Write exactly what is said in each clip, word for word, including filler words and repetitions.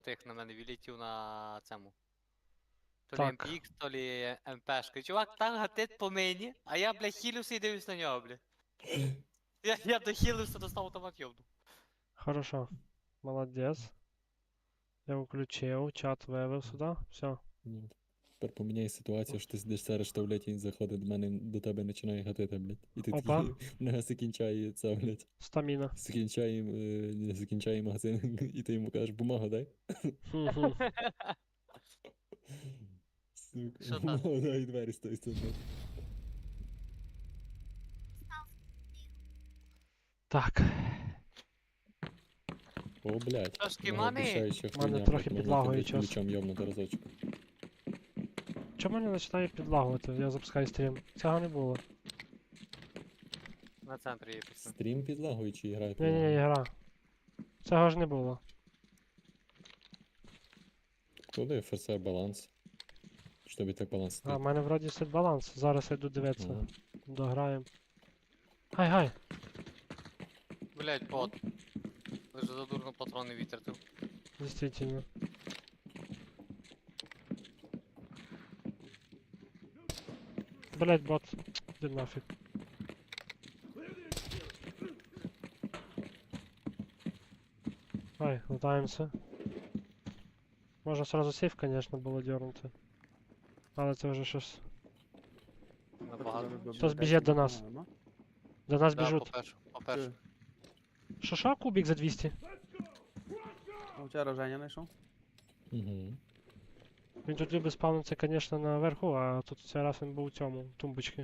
тих на мене відлетів на цьому. То лі Так. ем пі ікс, то лі ем-пешка. Чувак так гатить по мені, а я, бля, хілюся і дивлюсь на нього, бля. Я, я дохилився, достав автомат йобну. Хорошо. Молодець. Я включив, чат вивів сюди. Все. Ні. Тепер поміняй ситуацію, що ти сидиш зараз, що, блядь, він заходить до мене, до тебе починає гатити, блядь. І ти Опа. такий, не закінчає це, блядь. Стаміна. Закінчає, е, не закінчає магазин, і ти йому кажеш, бумагу дай. Хм-хм. Сука, Що там? бумагу дай, і двері з тої сторони. Так. О, блядь. Трошки Мого мани. обіцяюча Мене хуйня, трохи блядь, можна підлагує тебе час. ключом йобнути разочок. Чому не починає підлагувати? Я запускаю стрім. Цього не було. На центрі є пісня. Стрім підлагує чи грає Ні-ні, підлагує? гра. Цього ж не було. Куди еф ес ар баланс? Чи тобі так баланс А, стоїть? в мене вроді сет баланс. Зараз я йду дивитися. Ага. Дограємо. Гай-гай. Блять, бот. Ви ж задурно патрони вітертив. Действительно. Блять, бот. Иди нафиг. Ай, лутаємося. Можна сразу сейф, конечно, було дернути. Але це вже щось. Набагато. Хтось біжить до нас. До нас Да, біжуть. по-перше, по-перше. Що що, кубик за двісті? Ну, вчора Женя знайшов. Угу. Він тут любить спавнитися, конечно, наверху, а тут цей раз він був у цьому, тумбочці.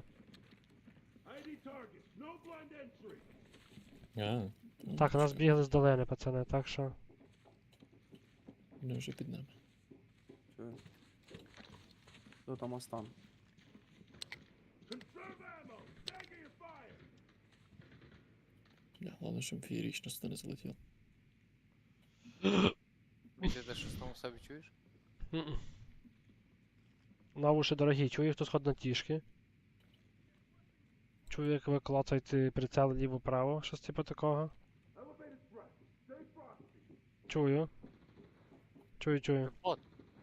А, ну, Так, нас чекай, бігли з долини, пацани, так що. вони вже під нами. Чую. Тут там остан. Бля, головне, щоб феєрично сюди не залетіло. Ти де щось там у себе чуєш? М-м. На уші дорогі, чую, хтось ходить на тішки. Чую, як ви клацаєте прицел ліво-право, щось типу такого. Чую. Чую, чую. Бот.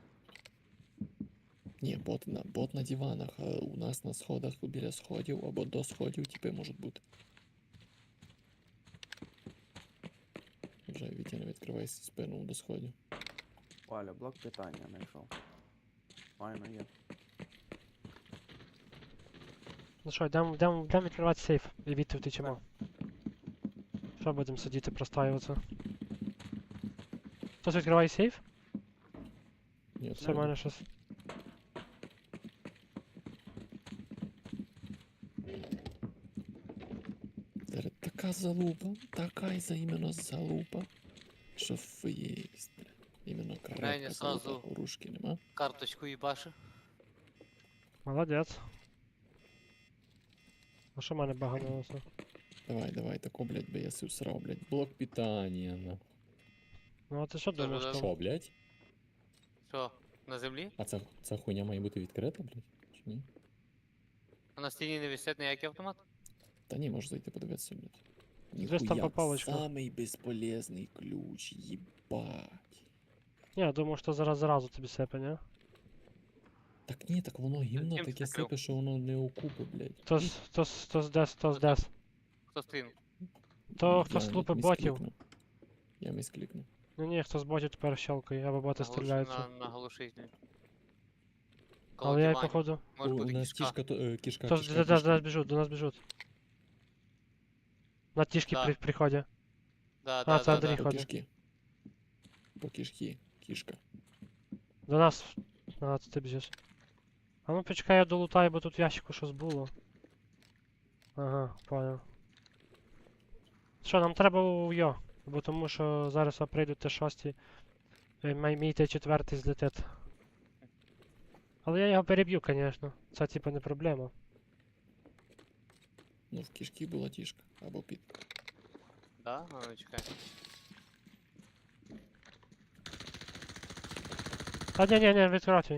Ні, бот на, бот на диванах, а у нас на сходах біля сходів або до сходів типи можуть бути. Вже Вітя не відкриває спину до сходів. Валя, блок питання знайшов. Файно є. Ну що, йдемо йдем, йдем відкривати сейф і відти втечемо. Що будемо сидіти, простаюватися? Хтось відкриває сейф? Ні, Все, в мене щось. Зараз така залупа, така і за іменно залупа, що феєсть. Іменно крепка Женя залупа, сразу- урушки нема. Карточку їбаше. Молодець. А що в мене баганулося? Давай, давай, тако, блядь, би я си всрав, блядь. Блок питання, на. Ну а ти що Тоже, думаєш да. там? Що, блядь? Що, на землі? А ця, ця хуйня має бути відкрита, блядь? Чи ні? А на стіні не висить ніякий автомат? Та ні, можеш зайти подивитися, блядь. Десь там Ніхуя, попалочка. самий безполезний ключ, їбать. Ні, я думаю, що зараз зразу тобі сипе, ні? Так ні, так воно гімно Ким ти таке закрив? сипе, що воно не окупи, блядь. Хтось, хтось, хтось десь, хтось десь. Хто стрінув? То Я хтось мі- лупить ботів. місклікнув. Я місклікнув. Ну ні, хтось ботів тепер щелкає, або боти Наглуш- стріляються. На, на глушитель. Коло Але я диванів. походу. Може У бути нас кішка. кішка, то, е, кішка, Хтось кішка, до, до, до кішка. нас біжуть, до нас біжуть. На тішки Да. при, приходять. Да, А, да, це да, Андрій да. По ходить. кішки. По кішки, кішка. До нас. Ага, це ти біжиш. А ну почекай, я долутаю, бо тут в ящику щось було. Ага, понял. Що, нам треба у йо, бо тому що зараз прийдуть Т шість, мій Т чотири злетить. Але я його переб'ю, звісно. Це типа не проблема. Ну, в кішки була тішка. Або під. Да? А, ну чекай. Та ні, ні, ні, відкривай.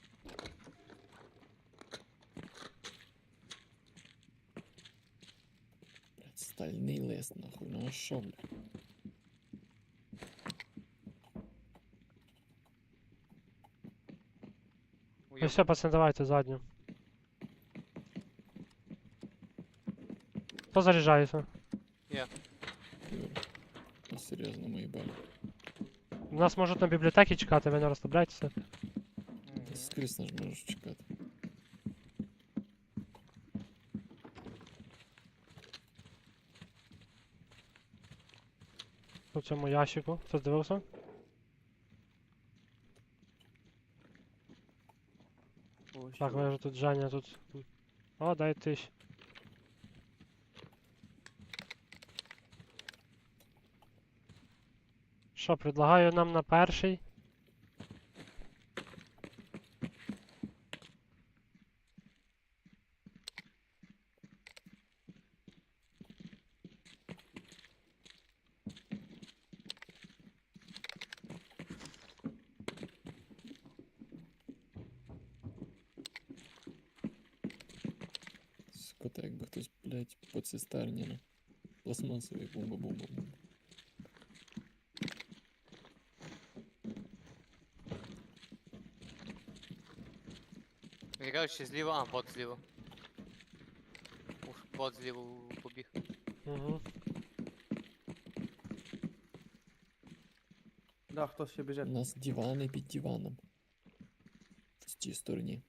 Блядь, стальний лист, нахуй. Ну а що, блядь? Ну все, пацани, давайте задню. Хто заряджається? Юра. Ну, серйозно, мої балі. Нас можуть на бібліотеці чекати, ви не розслабляйтеся. Ти скрізь нас можеш чекати. У цьому ящику. Хтось дивився? О, Так, що? вижу тут Женя тут. О, дай тисяч. Що, предлагаю нам на перший. Сука, так якби хтось, блядь, по цистерні на пластмасовій бомба-бомба. Мені кажуть, що зліва, а, бот зліва. Уж бот зліва побіг. Угу. Да, хтось ще У біжить. нас дивани під диваном. В цій стороні.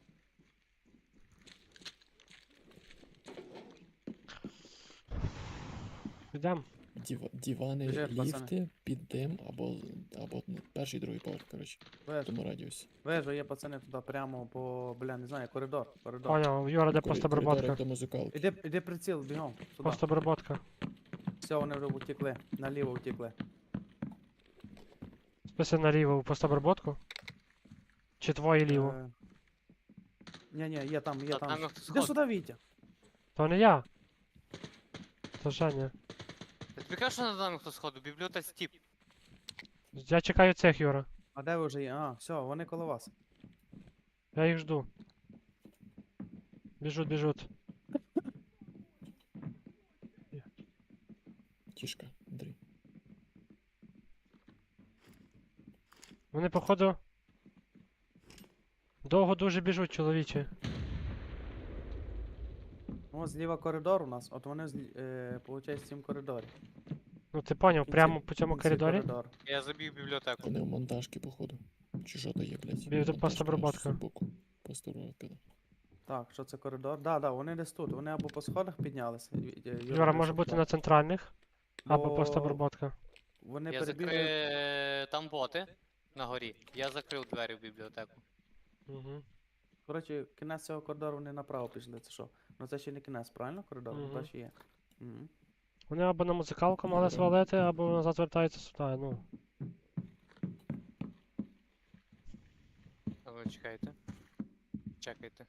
Йдем. Діва, дивани, Біжать, пацани. ліфти, під дим, або, або ну, перший, другий поверх, коротше, в Вежа, тому радіусі. вежа є, пацани, туди прямо по, бля, не знаю, коридор, коридор. Поняв, Юра, де Коридор, постоброботка? як до музикалки. Іди, іди приціл, бігом, сюди. Постоброботка. Все, вони вже утекли, наліво утекли. Списи наліво у постоброботку? Чи твоє ліво? Е, Ні-ні, є там, є Та там. там хтось Іди ходить. сюди, Вітя. То не я. То Женя. Я тобі кажу, що над нами хтось ходить, в бібліотеці тіп. Я чекаю цих, Юра. А де ви вже є? А, все, вони коло вас. Я їх жду. Біжуть, біжуть. Тішка, Андрій. Вони, походу. Довго дуже біжуть, чоловічі. Ну, от зліва коридор у нас, от вони, злі- е, получається, в цьому коридорі. Ну ти поняв, Кінці- прямо по цьому кінці коридорі? коридору. Я забіг в бібліотеку. Вони в монтажки, походу. Чи що то є, блядь? Бі- Монтажка постоброботка. аж збоку. Постоброботка, да. Так, що це коридор? Да, да, вони десь тут. Вони або по сходах піднялися. Ві- е, Юра, може вийшов бути туди. на центральних, або Бо постоброботка. Вони Я перебігли. закрив там боти на горі. Я закрив двері в бібліотеку. Угу. Коротше, кінець цього коридору вони направо пішли. Це що? Ну це ще не кінець, правильно? Коридор? Мгм. Далі є. Мгм. Вони або на музикалку мали Добре. свалити, або назад вертаються сюди, ну. А ви чекайте. Чекайте.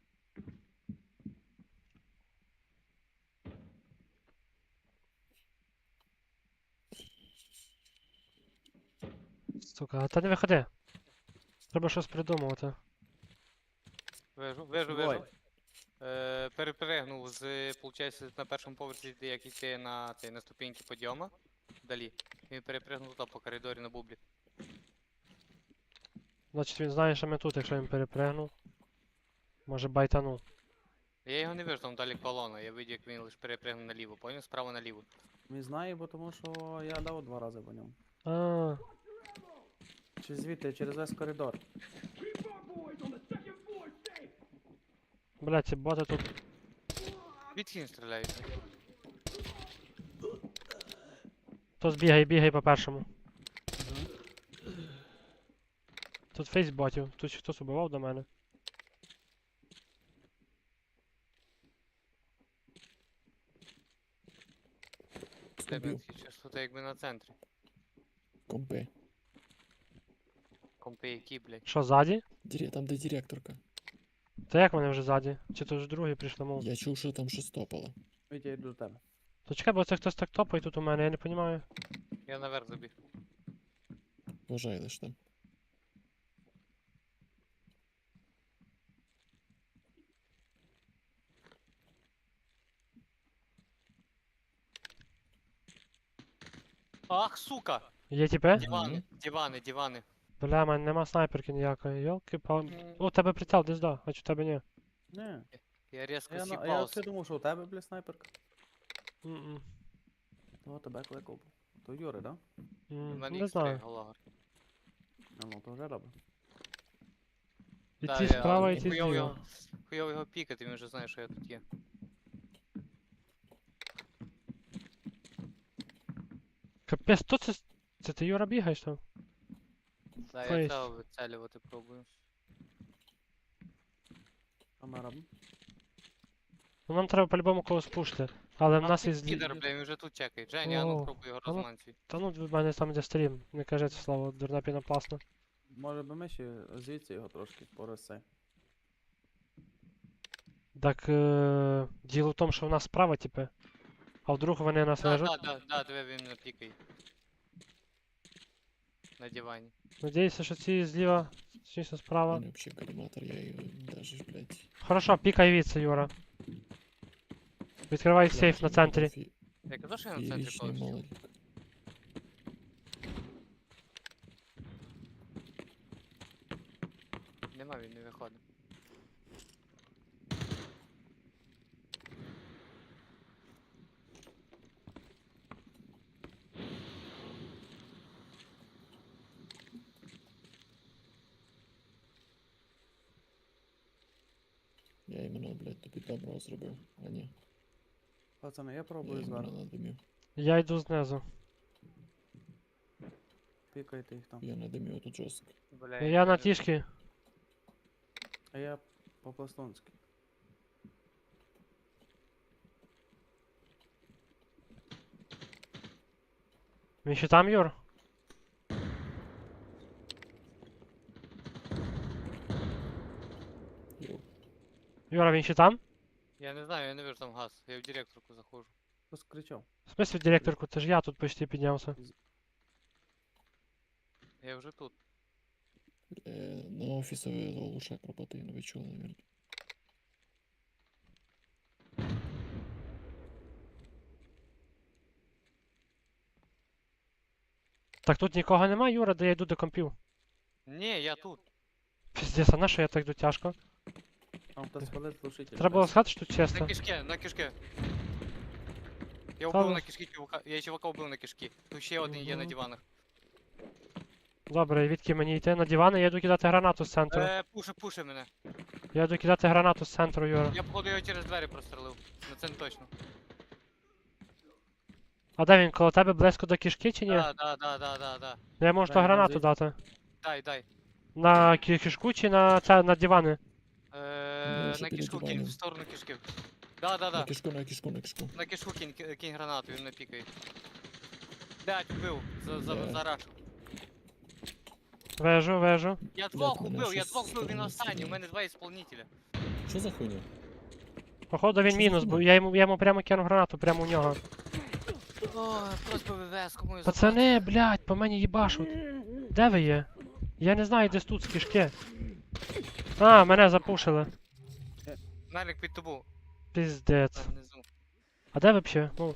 Сука, та не виходи. Треба щось придумувати. Вижу, вижу, Ой. вижу. Е, перепригнув з, получається, на першому поверсі, де як йти на, цей, на ступеньки підйома. Далі. Він перепригнув туди по коридорі на бублі. Значить він знає, що ми тут, якщо він перепригнув. Може байтанув. Я його не вижу, там далі колона. Я видів, як він лише перепригнув наліво, поняв? Справа наліво. Він знає, бо тому що я дав два рази по ньому. А, Чи звідти, через весь коридор. блядь, ці боти тут. Звідки він стріляється? Хтось бігає, бігає по першому. Тут фейс ботів. Тут хтось убивав до мене. Тебе Убив. такі частоти якби на центрі. Компи. Компи які, блядь. Що, ззаді? Дірі... Там де директорка. Та як вони вже ззаді? Чи то вже другі прийшли, мов? Я чув, що там щось топало. Вітя, я йду до тебе. То чекай, бо це хтось так топає тут у мене, я не розумію. Я наверх забіг. Вважай лиш там. Ах, сука! Є тіпи? Дивани, дивани, дивани. Бля, в мене нема снайперки ніякої. Йолки пал. М, О, у тебе прицел десь да, а чи у тебе ні? Ні. Я різко Я, на- я сіпав. взагалі думав, що у тебе, бля, снайперка. М-м. Того тебе кликав. То Юри, да? У М, мене Не ікс три знаю. Галагар. А ну, то вже добре. І Та, ті я- справа, і ну, ті хуйово зліва. його- Хуйово його пікати, він вже знає, що я тут є. Капець, хто це? с- Це ти Юра бігаєш там? Та я Фейс. цього вицелювати пробую. Що ми робимо? Ну нам треба по-любому когось пушити. Але в А нас тут є злі. підер, бля, він вже тут чекає. Женя, а ну О, пробуй його а ну- розманцюй. Та ну в мене там де стрім. Не кажи це слово, дурна пінопласна. Може би ми ще звідси його трошки пороси. Так е... діло в тому, що в нас справа, типи. А вдруг вони нас Да, вижуть? да, да, да, тебе він не пікає. На дивані. Надіюся, що ці зліва, точніше У справа. мене взагалі коліматор, я його даже, ж, блядь. Хорошо, пікай віце, Юра. Відкривай сейф на центрі. Фі- Я казав, що я на центрі Фієричний повністю. молодик. Нема, він не виходить. Я іменно, блядь, тобі добро зробив, а ні. Пацани, я Я пробую іменно зверху. надимів. Я йду знизу. Пікайте їх там. Я надимів тут жорстко. Бля, Я на не- тішки. А я по-пластунськи. Він ще там, Юр? Йоу. Юра, він ще там? Я не знаю, я не вижу там газ. Я в директорку заходжу. Хтось кричав. В смысле, директорку, це ж я тут почти піднявся. Я вже тут. Е, на офісові лучше працює, ну ви чули, навірно. Так тут нікого нема, Юра, де я йду до компів. Ні, я тут. Піздець, а на що я так йду тяжко? Там хтось палить глушитель. Треба було сказати, що тут На чисто. кишке, на кишке. Я Та вбив ну. на кишки чувака. Я чувака вбив на кишки. Тут ще один є на Мгм. диванах. Добре, і відки мені йти на дивани, я йду кидати гранату з центру. Е, пуше, пуше мене. Я йду кидати гранату з центру, Юра. Я походу його через двері прострелив. На це не точно. А де він, коло тебе близько до кишки чи ні? Да, да, да, да, да, да. Я можу Дай, то гранату дай. дати. Дай, дай. На ки- кишку чи на це на дивани? Е, вже на біля кишку кинь, диванів. в сторону кишки. Да, да, На да. кишку, на кишку, на кишку. На кишку кинь, ки- кинь гранату, він не пікає. Блять, вбив. За, за, Де? за раш. Вежу, вежу. Я двох мене убив, я щось двох вбив, він сторони останній, у стріляє. мене два ісполнителя. Що за хуйня? Походу він Що за мінус, бо хуйня? я йому, я йому прямо кинув гранату, прямо у нього. Ой, просто ВВС, кому я Пацани, блядь, по мені їбашуть. Де ви є? Я не знаю, десь тут з кишки. А, мене запушили. Налік під тобою, Піздець. там внизу. А де ви взагалі? Ну,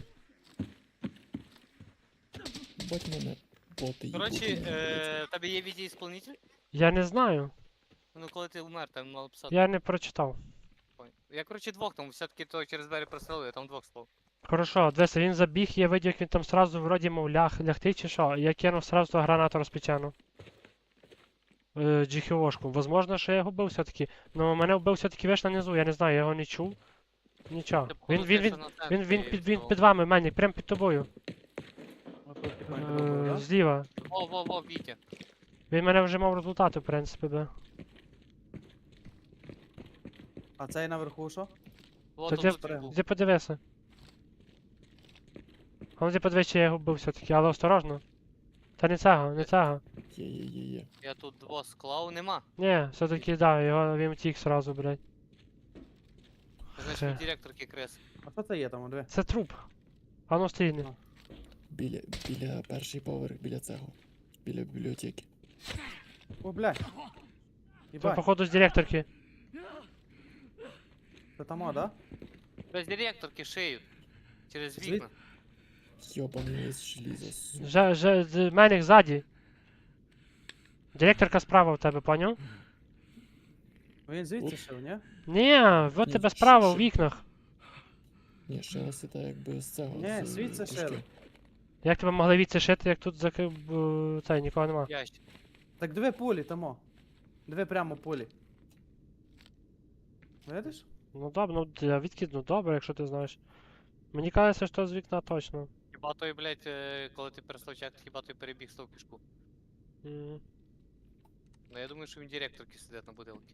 Бать мене боти Коротше, їбуть, мене, е, в тебе є відеоісполнитель? я не знаю. Ну коли ти умер, там мало писати. Я не прочитав. Понял. Я, коротше, двох там, все-таки то через двері прострелив, я там двох слов. Хорошо, дивися, він забіг, я видів, як він там сразу вроді мов ляг, лягти чи що. і Я кинув сразу ту гранату розпечену. Е, джіхіошку. Возможно, що я його вбив все-таки. Ну мене вбив все-таки виш внизу, я не знаю, я його не чув. Нічого. Ти, походу, Він, він, ти він, ще на він, він, центрі під, він того. під вами, Менік, прям під тобою. Отут тихонько добре, Е, да? зліва. Во, во, во, Вітя. Він мене вже мав результати, в принципі, да. А цей наверху що? Во, Та тут де- тут він був. Де подивися. А ну де подивись, чи я його вбив все-таки, але осторожно. Та не цього, не цього. Є, є, є, є. Я тут двох склав, нема. Ні, все-таки да, його він втік сразу, блядь. Це значить Хе. від директорки крес. А що це є там, диви? Це труп. А ну стрільни. А. Біля, біля перший поверх, біля цього. Біля бібліотеки. О, блядь. Це Єбать, походу з директорки. це там, о, да? Без директорки шиють. Через Звід- вікна. Йобаний лист желіза, сука. Же, же, з- Менік ззаді. Директорка справа у тебе, поняв? Він звідси шив, ні? Ні, от Ні, тебе ще- справа у ще- вікнах. Ні, шелести так якби з цього. Ні, з, звідси кишки. шили. Як тебе могли відси шити, як тут закрив е, цей, нікого нема. Ящик. Так дві пулі тому. Дві прямо пулі. Видиш? Ну добре, ну для відкид, ну добре, якщо ти знаєш. Мені кажеться, що з вікна точно. Хіба той, блядь, е, коли ти перестав чекати, хіба той перебіг з того кишку. М. Ну я думаю, що він директорки сидить на будилці.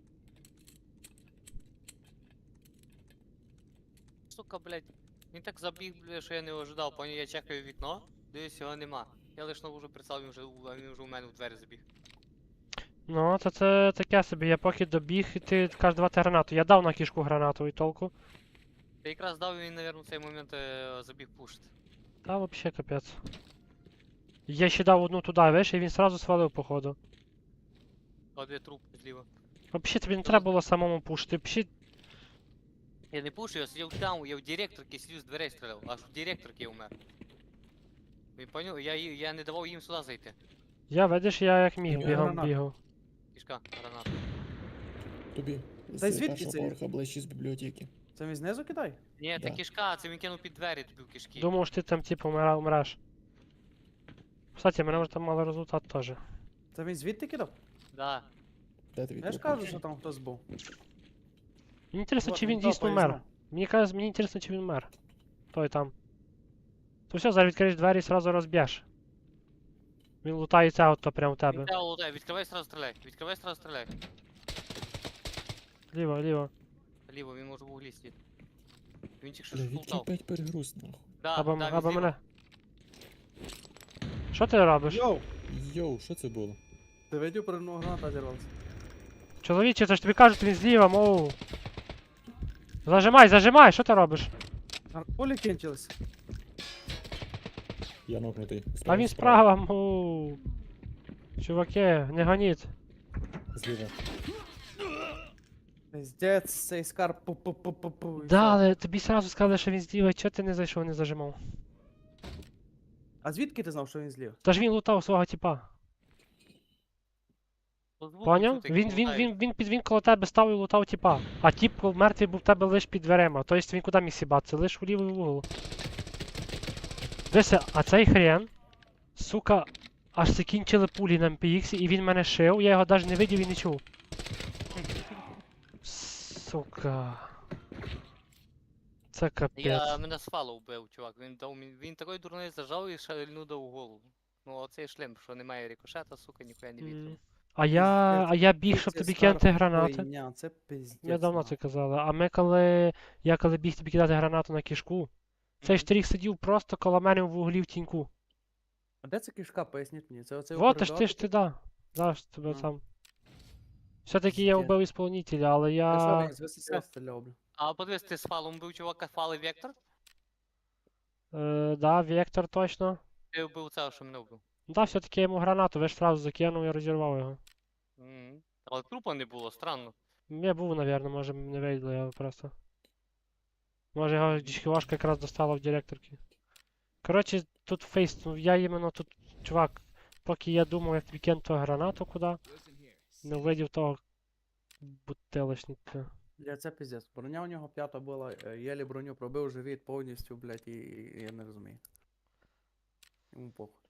Сука, блядь. Він так забіг, блядь, що я не ожидав, поняв, я чекаю вікно, дивлюсь, його нема. Я лиш нову вже представив, він вже, у- а він вже у мене у двері забіг. Ну, то це таке собі, я поки добіг, і ти кажеш давати гранату. Я дав на кішку гранату і толку. Та якраз дав він, навірно, в цей момент е, забіг пушити. Та вообще капець. Я ще дав одну туди, виш, і він сразу свалив, походу. А де труп зліва. Взагалі тобі не треба було самому пушити. Взагалі, Я не пушу, я сидів там, я в директорці сидів з дверей стріляв, аж в директорці я умер. Ви поняли? Я, ї- я не давав їм сюди зайти. я видиш, я як міг Я бігом гранату. бігав. Кішка, граната. Тобі. З Та й звідки першого це? поверха ближче з бібліотеки. Це він знизу кидай? Ні, це Да. кішка, це він кинув під двері тобі в кишки. Думав, що ти там типу умира- умреш. Кстати, мене вже там мали результат теж. Це він звідти кидав? Да. Де тобі Я ж трупи? кажу, що там хтось був. Мені інтересно, Вот чи він він дійсно топає мер. знов. Мені каже, мені інтересно, чи він мер. Той там. То все, зараз відкриєш двері і сразу розб'єш. Він лутає це авто прямо в Він тебе. тебе лутає, відкривай сразу стріляй, відкривай сразу стріляй. Ліво, ліво. Ліво, він може в углі сидіти. Він тільки що Бля, ж відки лутав. опять перегруз, нахуй. Да, Або, да, він або зліва. мене. Що ти робиш? Йоу! Йоу, що це було? Ти видів, про одного граната зірвався. Чоловіче, це ж тобі кажуть, він зліва, мов. Зажимай, зажимай, що ти робиш? А пулі кінчились. Я нокнутий. А він справа, мов. Чуваки, не гоніть. Зліва. Пиздець, цей скарб пу-пу-пу-пу-пу. і Да, все. але тобі сразу сказали, що він зліва, чого ти не зайшов, не зажимав? А звідки ти знав, що він злів? Та ж він лутав свого типа. По звуку Поняв? чути, як Він, він, лутає. він, він, під він коло тебе став і лутав типа. А тіп коли мертвий був в тебе лиш під дверима. Тобто він куди міг сібатися? Лиш у лівий угол. Дивися, а цей хрен, сука, аж закінчили пулі на ем пі ікс, і він мене шив, я його навіть не видів і не чув. Сука. Це капець. Я мене свало вбив, чувак. Він дав мені. Він такий дурний зажав і шальну дав у голову. Ну оцей шлем, що немає рикошета, сука, ніхуя не М. вітер. А я, Пиздець. а я біг, щоб Це тобі скарб кинути гранати. хуйня, Це пиздець. Ми давно нахуй. це казали. А ми коли. Я коли біг тобі кидати гранату на кішку, цей Мгм. штрих сидів просто коло мене в углі в тіньку. А де це кишка, поясніть мені? Це оцей Вот ж ти коридор ж ти да. Зараз тебе А. там. Все-таки я Пиздец. вбив ісполнителя, але Та що я. він з ВСС стріляв, бля? А подивись, ти з фалом бив чувака, фали Вектор? Е, да, Вектор точно. Ти вбив цього, що мене вбив. Да, все-таки я йому гранату, ви ж сразу закинув і розірвав його. Мгм. Але трупа не було, странно. Я був, навірно, може не вийшло його просто. Може його дічківашка якраз достала в директорки. Коротше, тут фейс, ну я іменно тут, чувак, поки я думав, як тобі кинути гранату куди, не видів того бутилочника. Бля, це пиздець. Броня у нього п'ята була, е, єлі броню пробив живіт повністю, блядь, і, і я не розумію. Йому похуй.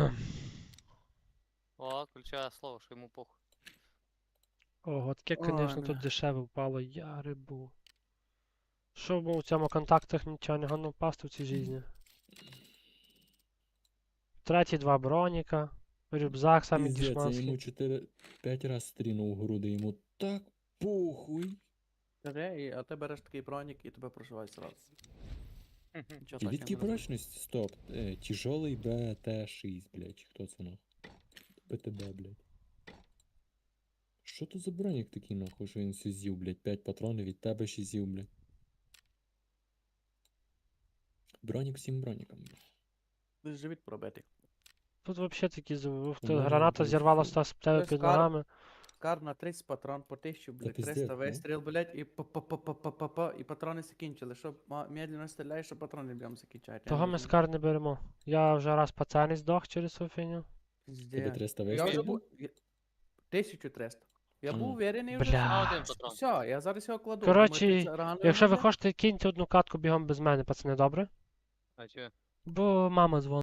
О, ключове слово, що йому похуй. Ого, таке, Ой, звісно, тут бля. дешеве впало, я рибу. Що б у цьому контактах нічого не гано впасти в цій житті. Треті два броніка, рюкзак самий Піздець, я дішманський. йому чотири п'ять раз стрінув в груди, йому так похуй. Каже, і, а ти береш такий бронік і тебе прошивають зразу. Нічого І так, відки я не розумію. прочність? Стоп. Е, тяжелий Б Т шість, блядь. Хто це нахуй? Б Т Б, блядь. Що то за бронік такий нахуй, що він все з'їв, блядь? п'ять патронів від тебе ще з'їв, блядь. Бронік всім бронікам, блядь. Ти ж живіт пробитий. Тут взагалі такі з- в- У мене граната був зірвалася з тебе Без під кар- ногами. Скар на тридцять патрон по тисячу, блядь, пиздец, триста да? вистріл, блядь, і па-па-па-па-па-па, і патрони закінчили. Що ма- медленно стріляєш, що патрони б'єм закінчають. я не Того ми розумію. скар не беремо. Я вже раз пацаний здох через цю фігню. Тебе Пиздец. триста Я вже вистрілів? був... я- тисячу триста. Я був Ага. уверений вже. Бля. А один патрон. Все, я зараз його кладу. Коротше, Думаєте, це рано Якщо йому, ви блядь? хочете, киньте одну катку бігом без мене, пацани, добре? А чого? Бо мама дзвонить.